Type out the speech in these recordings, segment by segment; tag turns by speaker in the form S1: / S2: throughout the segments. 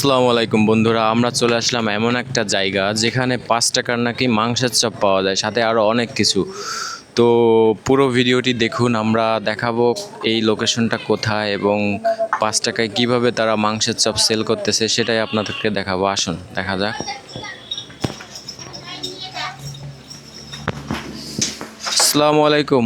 S1: আসসালামু আলাইকুম বন্ধুরা, আমরা চলে আসলাম এমন একটা জায়গা যেখানে 5 টাকার নাকি মাংসের চপ পাওয়া যায়, সাথে আরও অনেক কিছু। তো পুরো ভিডিওটি দেখুন, আমরা দেখাবো এই লোকেশনটা কোথায় এবং 5 টাকায় কিভাবে তারা মাংসের চপ সেল করতেছে, সেটাই আপনাদেরকে দেখাবো। আসুন দেখা যাক। আসসালামু আলাইকুম,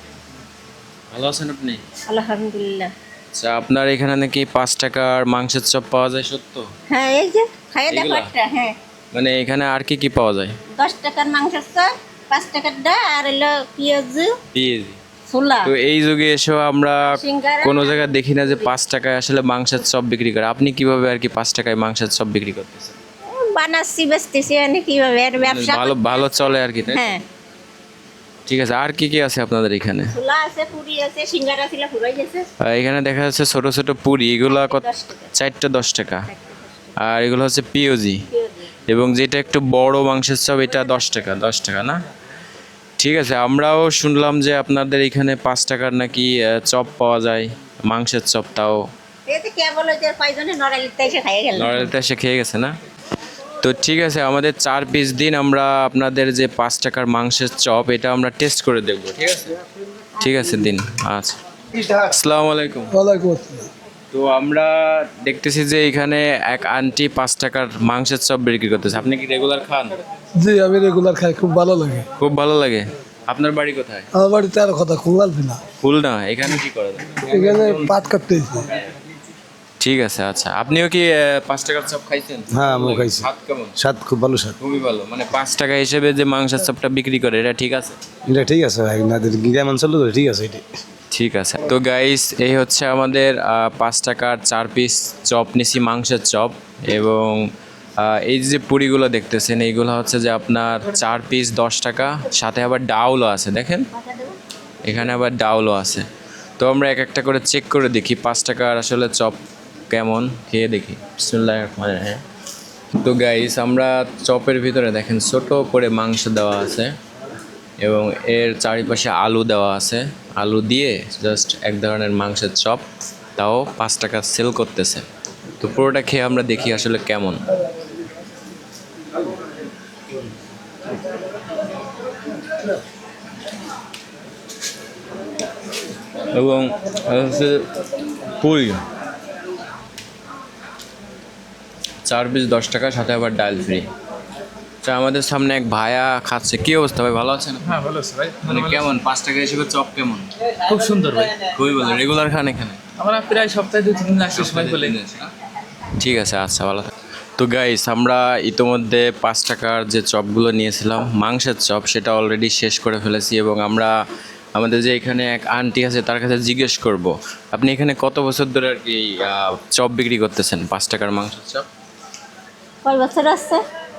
S1: ভালো আছেন আপনি?
S2: আলহামদুলিল্লাহ।
S1: আচ্ছা, আপনার এখানে নাকি 5 টাকার মাংসের চপ পাওয়া যায়, সত্য?
S2: হ্যাঁ, এই যে খাইয়ে দেখো
S1: এগুলা?
S2: একটা। হ্যাঁ,
S1: মানে এখানে আর কি কি পাওয়া যায়?
S2: 10 টাকার মাংসের চপ, 5 টাকার ডা আর হলো পেঁয়াজ,
S1: পেঁয়াজি।
S2: ছোলা,
S1: তো এই যুগে এসেও আমরা
S2: সিঙ্গারা।
S1: কোনো জায়গায় দেখি না যে 5 টাকায় আসলে মাংসের চপ বিক্রি করে। আপনি কিভাবে আর কি 5 টাকায় মাংসের চপ বিক্রি করতেছেন?
S2: বানাচ্ছি বেচতেছি, মানে কিভাবে আর ব্যবসা
S1: ভালো ভালো চলে আর কি, তাই তো?
S2: হ্যাঁ,
S1: ঠিক আছে, আর কি কি আছে আপনাদের এখানে?
S2: ছোলা আছে, পুরি আছে, সিঙ্গারা ছিল ফুরাই গেছে।
S1: এখানে দেখা যাচ্ছে ছোট ছোট পুরি, এগুলো কত?
S2: 10 টাকা।
S1: 4টা 10 টাকা। আর এগুলো হচ্ছে পিওজি,
S2: পেঁয়াজি।
S1: এবং যেটা একটু বড় মাংসের চপ এটা 10 টাকা। 10 টাকা না? ঠিক আছে, আমরাও শুনলাম যে আপনাদের এখানে 5 টাকার নাকি চপ পাওয়া যায়, মাংসের চপ। তাও
S2: এই যে কে বলে যে কয়জনে নড়াইতে এসে খাইয়ে গেল।
S1: নড়াইলতে এসে খেয়ে গেছে না? তো ঠিক আছে, আমাদের 4 পিস দিন, আমরা আপনাদের যে 5 টাকার মাংসের চপ এটা আমরা টেস্ট করে দেখবো। ঠিক আছে, ঠিক আছে দিন। আচ্ছা, আসসালামু আলাইকুম।
S3: ওয়ালাইকুম আসসালাম।
S1: তো আমরা দেখতেছি যে এখানে এক আন্টি 5 টাকার মাংসের চপ বিক্রি করতেছে। আপনি কি রেগুলার খান?
S3: জি, আমি রেগুলার খাই, খুব ভালো লাগে।
S1: খুব ভালো লাগে। আপনার বাড়ি কোথায়?
S3: আমার বাড়িতে আর কথা খুললাল না,
S1: খুলনা। এখানে কি করেন?
S3: এখানে পাট কাটতে এসেছি।
S1: ঠিক আছে, আচ্ছা, আপনিও কি 5 টাকার চপ খাইছেন?
S4: হ্যাঁ, আমিও খাইছি।
S1: স্বাদ কেমন?
S4: স্বাদ খুব ভালো স্বাদ।
S1: খুবই ভালো। মানে 5 টাকা হিসেবে যে মাংসের চপটা বিক্রি করে, এটা ঠিক আছে?
S4: এটা ঠিক আছে ভাই, নাদের গ্রাম অঞ্চল তো ঠিক আছে এটি।
S1: ঠিক আছে। তো গাইস, এই হচ্ছে আমাদের 5 টাকার 4 পিস চপ নিছি, মাংসের চপ। এবং এই যে পুরিগুলো দেখতেছেন, এইগুলো হচ্ছে যে আপনার 4 পিস 10 টাকা, সাথে আবার ডাউলও আছে। দেখেন এখানে আবার ডাউলও আছে। তো আমরা এক একটা করে চেক করে দেখি 5 টাকার আসলে চপ কেমন, খেয়ে দেখি। বিসমিল্লাহির রহমানির রহিম। তো গাইস, আমরা চপের ভিতরে দেখেন ছোট করে মাংস দেওয়া আছে এবং এর চারিপাশে আলু দেওয়া আছে। আলু দিয়ে জাস্ট এক ধরনের মাংসের চপ, তাও 5 টাকা সেল করতেছে। তো পুরোটা খেয়ে আমরা দেখি আসলে কেমন। এবং হচ্ছে পুরি 4 পিস 10 টাকা, সাথে আবার ডাল ফ্রি। আমাদের সামনে এক ভাইয়া খাচ্ছে। কি অবস্থা ভাই, ভালো আছেন?
S5: হ্যাঁ, ভালো আছে ভাই।
S1: মানে কেমন 5 টাকা হিসেবে চপ কেমন?
S5: খুব সুন্দর ভাই।
S1: খুবই ভালো। রেগুলার খান এখানে?
S5: আমরা প্রায় সপ্তাহে 2-3 দিন আসি সময় পেলে।
S1: ঠিক আছে, আচ্ছা, ভালো থাক। তো গাইস, আমরা ইতোমধ্যে 5 টাকার যে চপগুলো নিয়েছিলাম মাংসের চপ, সেটা অলরেডি শেষ করে ফেলেছি। এবং আমরা আমাদের যে এখানে এক আন্টি আছে তার কাছে জিজ্ঞেস করব, আপনি এখানে কত বছর ধরে আর কি চপ বিক্রি করতেছেন, 5 টাকার মাংসের চপ?
S2: কয় বছর আছে?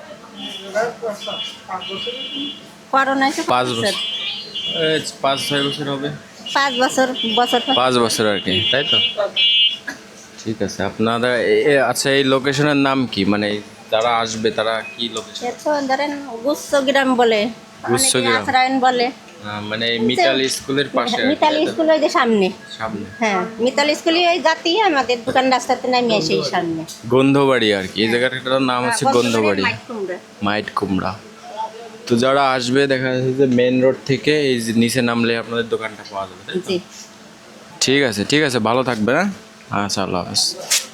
S2: করোনা এসে
S1: 5 বছর। 5-6 বছর হবে।
S2: 5 বছর। বছর
S1: 5 বছর আর কি, তাই তো? ঠিক আছে। আপনারা আচ্ছা, এই লোকেশনের নাম কি? মানে যারা আসবে তারা কি লোকেশন?
S2: এতো ধরেন গুচ্ছ গ্রাম বলে,
S1: গুচ্ছগ্রাম।
S2: আশ্রয়ন বলে।
S1: মানে মিতাল স্কুলের পাশে আর কি,
S2: মিতালি
S1: তাই তো?
S2: স্কুল ওই যে সামনে।
S1: সামনে
S2: হ্যাঁ, মিতালি স্কুলে ওই জাতি আমাদের দোকান রাস্তাতে নামিয়ে সেই সামনে।
S1: গন্ধবাড়ি আর কি, এই জায়গাটার নাম হচ্ছে গন্ধবাড়ি,
S2: মাইক কুমড়া।
S1: মাইট কুমড়া। তো যারা আসবে দেখা যাচ্ছে যে মেন রোড থেকে এই যে নিচে নামলে আপনাদের দোকানটা পাওয়া যাবে, তাই তো?
S2: জি।
S1: ঠিক আছে, ঠিক আছে, ভালো থাকবে। হ্যাঁ, আচ্ছা, আল্লাহ হাফেজ।